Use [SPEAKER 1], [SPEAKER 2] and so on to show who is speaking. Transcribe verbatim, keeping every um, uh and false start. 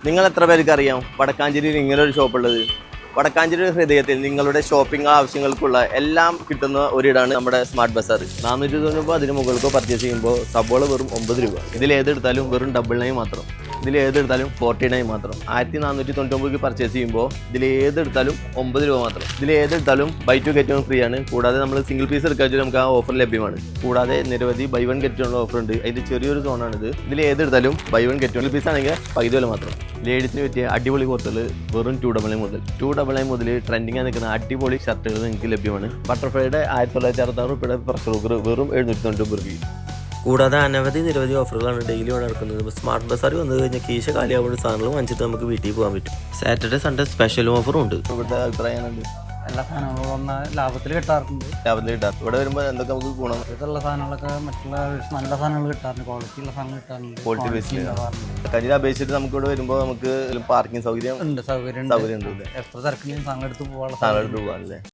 [SPEAKER 1] നിങ്ങൾ എത്ര പേർക്ക് അറിയാം വടക്കാഞ്ചേരിയിൽ ഇങ്ങനെ ഒരു ഷോപ്പ് ഉള്ളത്? വടക്കാഞ്ചേരി ഹൃദയത്തിൽ നിങ്ങളുടെ ഷോപ്പിംഗ് ആവശ്യങ്ങൾക്കുള്ള എല്ലാം കിട്ടുന്ന ഒരിടാണ് നമ്മുടെ സ്മാർട്ട് ബസാർ. നാനൂറ്റി തൊണ്ണൂറ് അതിന് മുകൾക്കോ പർച്ചേസ് ചെയ്യുമ്പോൾ സബോള വെറും ഒമ്പത് രൂപ. ഇതിൽ ഏതെടുത്താലും വെറും ഡബിൾ നൈൻ മാത്രം. ഇതിൽ ഏതെടുത്താലും ഫോർട്ടി നൈൻ മാത്രം. ആയിരത്തി നാനൂറ്റി തൊണ്ണൂറ്റൊമ്പത് പർച്ചേസ് ചെയ്യുമ്പോൾ ഇതിൽ ഏതെടുത്താലും ഒമ്പത് രൂപ മാത്രം. ഇതിൽ ഏതെടുത്താലും buy two get one free ആണ്. കൂടാതെ നമ്മൾ സിംഗിൾ പീസ് എടുക്കാൻ നമുക്ക് ആ ഓഫർ ലഭ്യമാണ്. കൂടാതെ നിരവധി buy one get one offer ഉണ്ട്. അതിൻ്റെ ചെറിയൊരു സോണാണിത്. ഇതിൽ ഏതെടുത്താലും buy one get one piece ആണെങ്കിൽ പകുതി വില മാത്രം. ലേഡീസിന് പറ്റിയ അടിപൊളി കോർത്തുകൾ വെറും ടു ഡബിൾ നൈൻ മുതൽ ടു ഡബിൾ നൈൻ മുതൽ ട്രെൻഡിങ് നിൽക്കുന്ന അടിപൊളി ഷർട്ടുകൾ നിങ്ങൾക്ക് ലഭ്യമാണ്. ബട്ടർഫ്ലൈയുടെ ആയിരത്തി തൊള്ളായിരത്തി അറുപത്താറ് രൂപയുടെ പ്രഷർ കുക്കർ വെറും എഴുന്നൂറ്റി തൊണ്ണൂറ്റി രൂപ.
[SPEAKER 2] കൂടാതെ അനവധി നിരവധി ഓഫറുകളാണ് ഡെയിലി ഇവിടെ നടക്കുന്നത്. സ്മാർട്ട് ബസാർ വന്നു കഴിഞ്ഞാൽ കീശ കാലിയാവുന്ന സാധനങ്ങൾ വാങ്ങിച്ചിട്ട് നമുക്ക് വീട്ടിൽ പോകാൻ പറ്റും. സാറ്റർഡേ സൺഡേ സ്പെഷ്യൽ ഓഫറും ഉണ്ട്.
[SPEAKER 1] ഇവിടുത്തെ അഭിപ്രായമുണ്ട്,
[SPEAKER 3] എല്ലാ സാധനങ്ങളും വന്നാൽ ലാഭത്തിൽ കിട്ടാറുണ്ട്.
[SPEAKER 1] ലാഭത്തിൽ കിട്ടാറ്. ഇവിടെ വരുമ്പോൾ എന്തൊക്കെ നമുക്ക് ഗുണം?
[SPEAKER 3] ഇതുള്ള സാധനങ്ങളൊക്കെ മറ്റുള്ള നല്ല സാധനങ്ങൾ കിട്ടാറുണ്ട്, ക്വാളിറ്റി ഉള്ള സാധനങ്ങൾ കിട്ടാറുണ്ട്.
[SPEAKER 1] ക്വാളിറ്റി ബേസിൽ കരിയിൽ അപേക്ഷിച്ചിട്ട് നമുക്ക് ഇവിടെ വരുമ്പോൾ നമുക്ക് പാർക്കിംഗ് സൗകര്യം
[SPEAKER 3] ഉണ്ട്, സൗകര്യം
[SPEAKER 1] സൗകര്യം ഉണ്ട്.
[SPEAKER 3] എത്ര തിരക്കിലും സാധനം എടുത്ത് പോകാനുള്ള
[SPEAKER 1] സാധനം എടുത്ത് പോകാനല്ലേ.